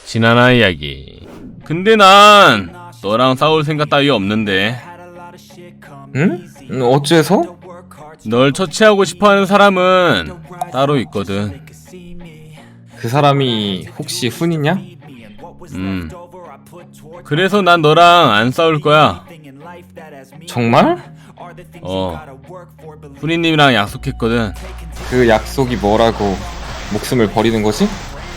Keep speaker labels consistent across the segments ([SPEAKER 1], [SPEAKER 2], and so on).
[SPEAKER 1] 지난화 이야기. 근데 난 너랑 싸울 생각 따위 없는데.
[SPEAKER 2] 응? 어째서?
[SPEAKER 1] 널 처치하고 싶어하는 사람은 따로 있거든.
[SPEAKER 2] 그 사람이 혹시 훈이냐?
[SPEAKER 1] 그래서 난 너랑 안 싸울 거야.
[SPEAKER 2] 정말?
[SPEAKER 1] 훈이님이랑 약속했거든.
[SPEAKER 2] 그 약속이 뭐라고 목숨을 버리는 거지?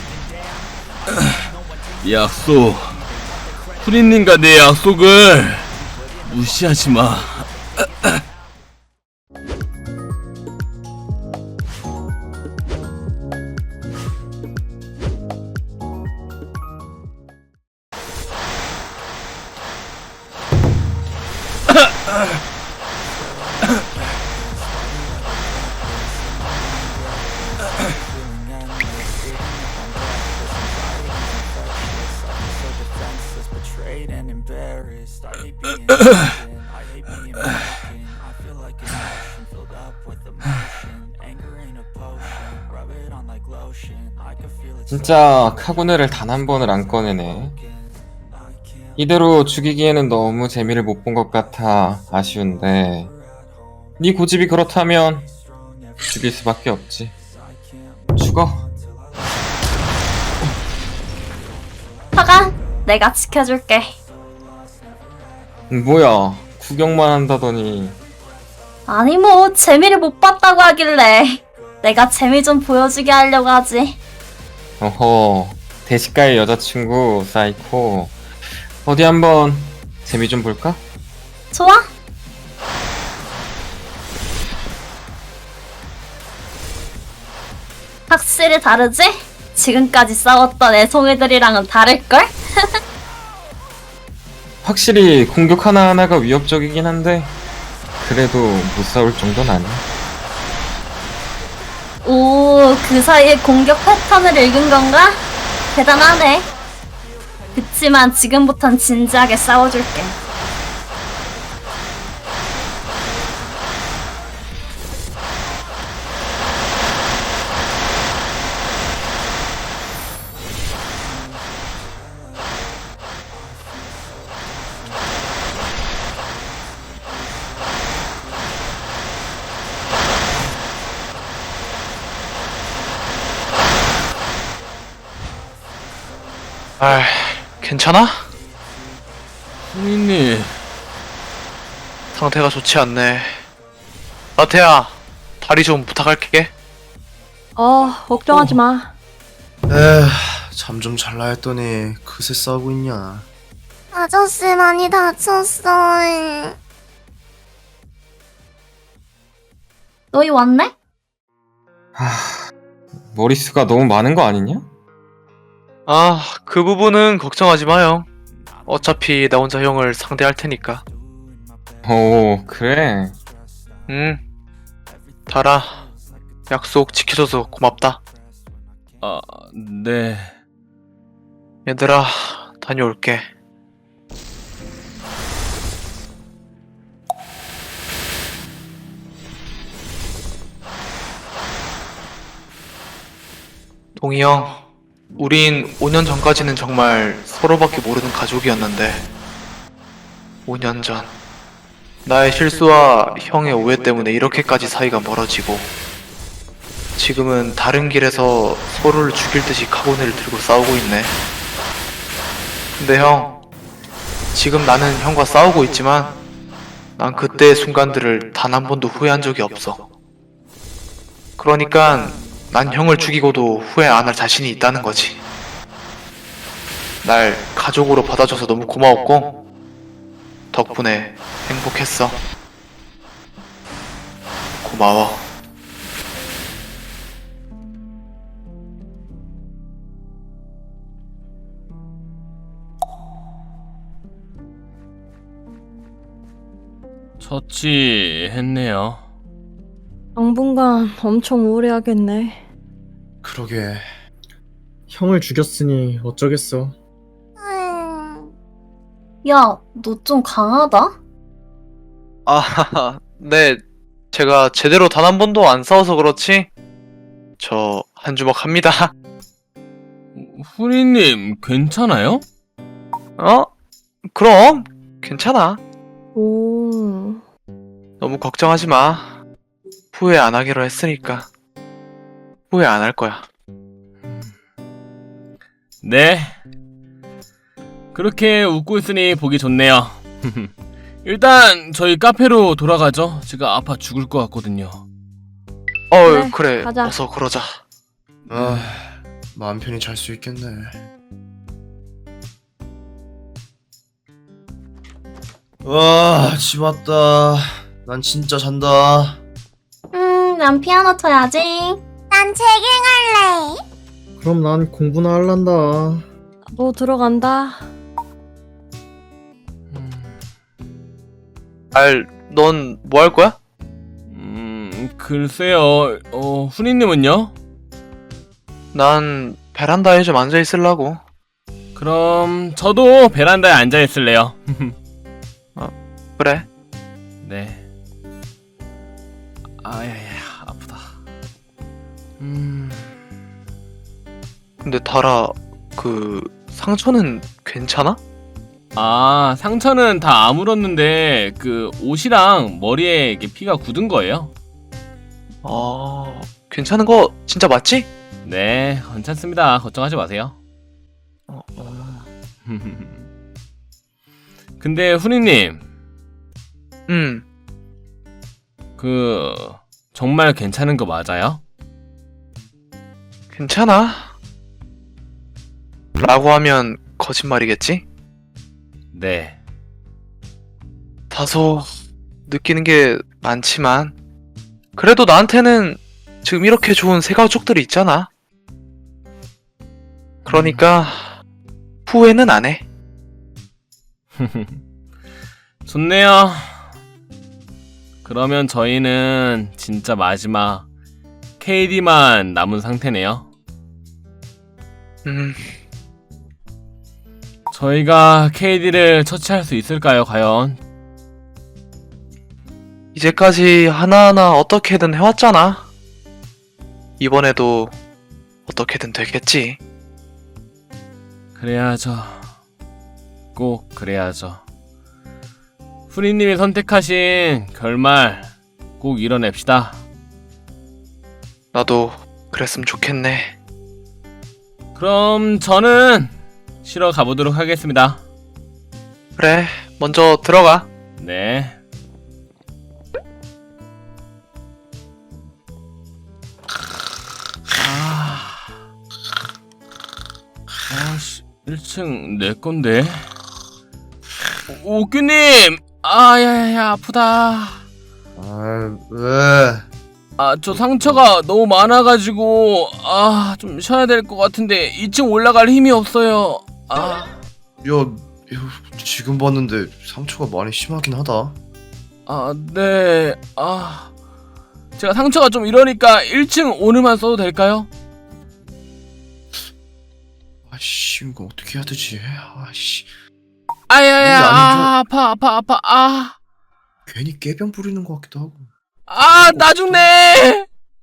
[SPEAKER 1] 약속. 훈이님과 내 약속을 무시하지 마.
[SPEAKER 2] 진짜 카구네를 단 한 번을 안 꺼내네. 이대로 죽이기에는 너무 재미를 못 본 것 같아 아쉬운데 네 고집이 그렇다면 죽일 수밖에 없지. 죽어.
[SPEAKER 3] 화가 내가 지켜줄게.
[SPEAKER 2] 뭐야 구경만 한다더니.
[SPEAKER 3] 아니 뭐 재미를 못 봤다고 하길래 내가 재미 좀 보여주게 하려고 하지.
[SPEAKER 2] 어허, 대식가의 여자친구 사이코. 어디 한번 재미 좀 볼까?
[SPEAKER 3] 좋아? 확실히 다르지? 지금까지 싸웠던 애송이들이랑은 다를걸?
[SPEAKER 2] 확실히 공격 하나하나가 위협적이긴 한데 그래도 못 싸울 정도는 아니야.
[SPEAKER 3] 오, 그 사이에 공격 패턴을 읽은 건가? 대단하네. 그치만 지금부턴 진지하게 싸워줄게.
[SPEAKER 4] 아, 괜찮아?
[SPEAKER 1] 훈이님.
[SPEAKER 4] 상태가 좋지 않네. 라테야, 다리 좀 부탁할게.
[SPEAKER 5] 걱정하지 마.
[SPEAKER 6] 잠 좀 잘라 했더니 그새 싸우고 있냐.
[SPEAKER 7] 아저씨 많이 다쳤어.
[SPEAKER 3] 너희 왔네?
[SPEAKER 2] 머리수가 너무 많은 거 아니냐?
[SPEAKER 4] 아, 그 부분은 걱정하지 마요. 어차피 나 혼자 형을 상대할 테니까.
[SPEAKER 2] 오, 그래.
[SPEAKER 4] 달아, 약속 지켜줘서 고맙다.
[SPEAKER 1] 아, 네.
[SPEAKER 4] 얘들아, 다녀올게. 동희 형, 우린 5년 전까지는 정말 서로밖에 모르는 가족이었는데 5년 전 나의 실수와 형의 오해 때문에 이렇게까지 사이가 멀어지고 지금은 다른 길에서 서로를 죽일 듯이 카고네를 들고 싸우고 있네. 근데 형, 지금 나는 형과 싸우고 있지만 난 그때의 순간들을 단 한 번도 후회한 적이 없어. 그러니까 난 형을 죽이고도 후회 안 할 자신이 있다는 거지. 날 가족으로 받아줘서 너무 고마웠고 덕분에 행복했어. 고마워.
[SPEAKER 1] 처치했네요.
[SPEAKER 5] 당분간 엄청 우울해하겠네.
[SPEAKER 6] 그러게. 형을 죽였으니 어쩌겠어.
[SPEAKER 3] 야, 너 좀 강하다?
[SPEAKER 4] 아, 네. 제가 제대로 단 한 번도 안 싸워서 그렇지 저 한 주먹 합니다.
[SPEAKER 1] 후리님, 괜찮아요?
[SPEAKER 4] 어? 그럼 괜찮아.
[SPEAKER 5] 오.
[SPEAKER 4] 너무 걱정하지 마. 후회 안 하기로 했으니까 후회 안 할 거야.
[SPEAKER 1] 네. 그렇게 웃고 있으니 보기 좋네요. 일단 저희 카페로 돌아가죠. 제가 아파 죽을 것 같거든요.
[SPEAKER 5] 그래,
[SPEAKER 4] 그래.
[SPEAKER 5] 가자.
[SPEAKER 4] 어서 그러자.
[SPEAKER 6] 아, 마음 편히 잘 수 있겠네. 와, 집 왔다. 난 진짜 잔다.
[SPEAKER 3] 난 피아노 쳐야지.
[SPEAKER 7] 난 재갱할래.
[SPEAKER 6] 그럼 난 공부나 할란다.
[SPEAKER 5] 너 들어간다.
[SPEAKER 4] 넌 뭐 할 거야?
[SPEAKER 1] 글쎄요. 후리님은요?
[SPEAKER 4] 난 베란다에 좀 앉아 있으려고.
[SPEAKER 1] 그럼 저도 베란다에 앉아 있을래요.
[SPEAKER 4] 그래.
[SPEAKER 1] 네. 아야야, 아프다.
[SPEAKER 4] 근데 달아, 그 상처는 괜찮아?
[SPEAKER 1] 상처는 다 아물었는데 그 옷이랑 머리에 이게 피가 굳은 거예요.
[SPEAKER 4] 괜찮은 거 진짜 맞지?
[SPEAKER 1] 네, 괜찮습니다. 걱정하지 마세요. 근데 후리님, 그 정말 괜찮은 거 맞아요?
[SPEAKER 4] 괜찮아. 라고 하면 거짓말이겠지?
[SPEAKER 1] 네.
[SPEAKER 4] 다소 느끼는 게 많지만 그래도 나한테는 지금 이렇게 좋은 새 가족들이 있잖아. 그러니까 후회는 안 해.
[SPEAKER 1] 좋네요. 그러면 저희는 진짜 마지막 KD만 남은 상태네요. 저희가 KD를 처치할 수 있을까요, 과연?
[SPEAKER 4] 이제까지 하나하나 어떻게든 해왔잖아. 이번에도 어떻게든 되겠지.
[SPEAKER 1] 그래야죠. 꼭 그래야죠. 후리님이 선택하신 결말 꼭 이뤄냅시다.
[SPEAKER 4] 나도 그랬으면 좋겠네.
[SPEAKER 1] 그럼 저는 쉬러 가보도록 하겠습니다.
[SPEAKER 4] 그래, 먼저 들어가.
[SPEAKER 1] 네. 아씨, 1층 내 건데. 오규님! 야야야, 아프다.
[SPEAKER 6] 왜?
[SPEAKER 1] 저 상처가 너무 많아가지고, 좀 쉬어야 될 것 같은데, 2층 올라갈 힘이 없어요.
[SPEAKER 6] 지금 봤는데 상처가 많이 심하긴 하다.
[SPEAKER 1] 네. 제가 상처가 좀 이러니까 1층 오늘만 써도 될까요?
[SPEAKER 6] 아씨, 이거 어떻게 해야 되지? 아씨,
[SPEAKER 1] 아야야,
[SPEAKER 6] 아니죠.
[SPEAKER 1] 아파.
[SPEAKER 6] 괜히 깨병 부리는 것 같기도 하고.
[SPEAKER 1] 나 죽네!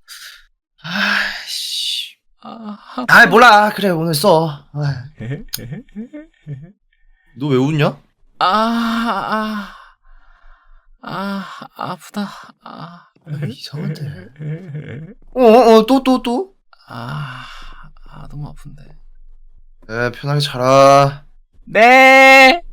[SPEAKER 6] 아씨.
[SPEAKER 1] 아파.
[SPEAKER 6] 몰라. 그래, 오늘 써. 너 왜 웃냐?
[SPEAKER 1] 아프다.
[SPEAKER 6] 이상한데. 또.
[SPEAKER 1] 너무 아픈데.
[SPEAKER 6] 편하게 자라.
[SPEAKER 1] 네!